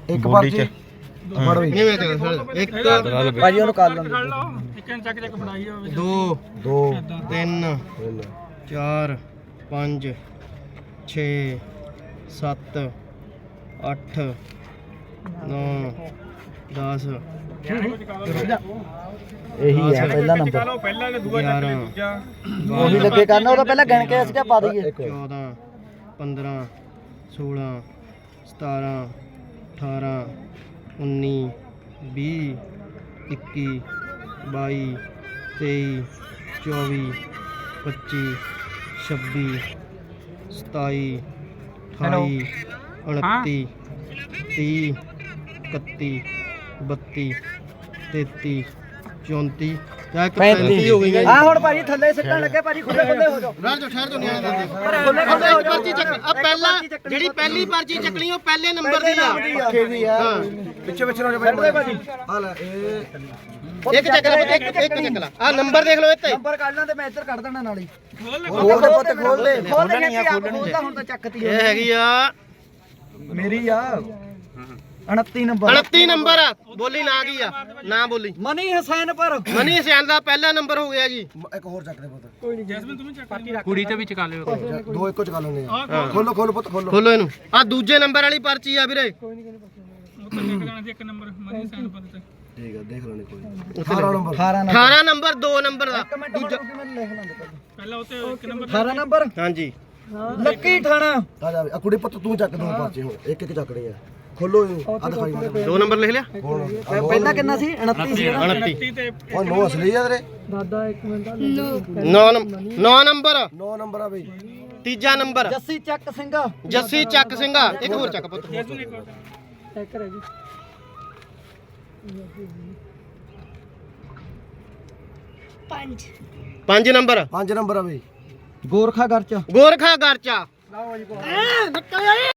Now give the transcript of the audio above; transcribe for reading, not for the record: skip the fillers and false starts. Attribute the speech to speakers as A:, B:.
A: ਇੱਕ ਪਰਚੀ ਫੜ ਬਈ
B: ਇੱਕ
A: ਭਾਜੀ ਉਹਨੂੰ ਕਰ ਲੈਂਦੇ
B: ਦੋ
A: 2
B: 3 4 5 6 7 8 9 10
A: ਇਹੀ ਹੈ ਪਹਿਲਾ ਨੰਬਰ
B: 11
A: ਉਹੀ ਲੱਗੇ ਕਰਨਾ ਉਹ ਤਾਂ ਪਹਿਲਾਂ ਗਿਣ ਕੇ ਅਸੀਂ ਪਾ ਦਈਏ
B: 14 15 16 17 18 19 20 21 22 23 24 25 26 27 28 29 30 31 32 33 34 35 ਹੋ ਗਈ
A: ਆ ਹੁਣ ਭਾਜੀ ਥੱਲੇ ਸਿੱਟਣ ਲੱਗੇ ਭਾਜੀ ਖੁੱਲੇ ਖੁੱਲੇ ਹੋ ਜਾਓ
B: ਰਾਜ ਠਹਿਰ ਤੋਂ ਨਹੀਂ ਆਉਂਦੇ
A: ਖੁੱਲੇ ਖੁੱਲੇ ਹੋ ਜਾਓ
B: ਪਰਚੀ ਚੱਕ ਆ ਪਹਿਲਾਂ ਜਿਹੜੀ ਪਹਿਲੀ ਪਰਚੀ ਚੱਕਣੀ ਉਹ ਪਹਿਲੇ ਨੰਬਰ ਦੀ ਆ
A: ਪੱਖੇ ਦੀ ਆ ਪਿੱਛੇ ਪਿੱਛੇ ਹੋ ਜਾ ਭਾਜੀ ਆ ਲੈ
B: ਇੱਕ ਚੱਕ ਲੈ ਇੱਕ ਚੱਕ ਲੈ ਆ ਨੰਬਰ ਦੇਖ ਲਓ ਇੱਥੇ
A: ਨੰਬਰ ਕੱਢ ਲਾਂ ਤੇ ਮੈਂ ਇੱਧਰ ਕੱਢ ਦੇਣਾ ਨਾਲ ਹੀ ਖੋਲ ਦੇ ਪੁੱਤ ਖੋਲ ਦੇ ਖੋਲਣੀ ਆ ਖੋਲਦਾ ਹੁਣ ਤਾਂ ਚੱਕਤੀ
B: ਇਹ ਹੈਗੀ ਆ
A: ਮੇਰੀ ਆ 29 ਨੰਬਰ
B: 29 ਨੰਬਰ ਬੋਲੀ ਨਾ ਕੀ ਆ ਨਾ ਬੋਲੀ
A: ਮਨੀ ਹਸੈਨ ਪਰ
B: ਮਨੀ ਹਸੈਨ ਦਾ ਪਹਿਲਾ ਨੰਬਰ ਹੋ ਗਿਆ ਜੀ
A: ਇੱਕ ਹੋਰ ਚੱਕ ਦੇ ਪੁੱਤ
C: ਕੋਈ ਨਹੀਂ ਜੈਸਮੀਨ ਤੂੰ ਚੱਕ
D: ਕੁੜੀ ਤੇ ਵੀ ਚਕਾ ਲਿਓ
A: ਦੋ ਇੱਕੋ ਚਕਾ ਲੈਣੇ ਆ ਖੋਲੋ ਖੋਲੋ ਪੁੱਤ ਖੋਲੋ
B: ਖੋਲੋ ਇਹਨੂੰ ਆ ਦੂਜੇ ਨੰਬਰ ਵਾਲੀ ਪਰਚੀ ਆ ਵੀਰੇ
C: ਉਹ ਤਾਂ ਨਿਕਲ ਜਾਣਾ ਸੀ ਇੱਕ ਨੰਬਰ ਮਰੀ ਸੈਨ ਪਦ ਤੇ
A: ਠੀਕ ਆ ਦੇਖ ਲੈਣੇ ਕੋਈ 18 ਨੰਬਰ
B: 18 ਨੰਬਰ 2 ਨੰਬਰ ਦਾ
C: ਪਹਿਲਾਂ ਉੱਤੇ ਇੱਕ ਨੰਬਰ
A: 18 ਨੰਬਰ
B: ਹਾਂਜੀ
A: ਲੱਕੀ ਠਾਣਾ ਆ ਜਾ ਆ ਕੁੜੀ ਪੁੱਤ ਤੂੰ ਚੱਕ ਦੋ ਪਰਚੇ ਹੁਣ ਇੱਕ ਇੱਕ ਚੱਕਣੀ ਆ ਖੋਲੋ ਇਹਨੂੰ ਆ ਦਿਖਾਈ ਮੈਨੂੰ
B: 2 ਨੰਬਰ ਲਿਖ ਲਿਆ
A: ਪਹਿਲਾਂ ਕਿੰਨਾ ਸੀ 29 ਸੀ
B: 29
C: ਤੇ
A: ਉਹ ਨੋ ਅਸਲੀ ਆ ਤੇਰੇ
B: 9 ਨੰਬਰ
A: 9 ਨੰਬਰ ਆ ਬਈ
B: ਤੀਜਾ ਨੰਬਰ
A: ਜੱਸੀ ਚੱਕ ਸਿੰਘ
B: ਜੱਸੀ ਚੱਕ ਸਿੰਘਾ ਇੱਕ ਹੋਰ ਚੱਕ ਪੁੱਤ
C: ਚੈੱਕ ਕਰੇ ਜੀ
B: 5 ਨੰਬਰ
A: 5 ਨੰਬਰ ਆ ਬਈ ਗੋਰਖਾ ਘਰ ਚ
B: ਗੋਰਖਾ ਗਰਚਾ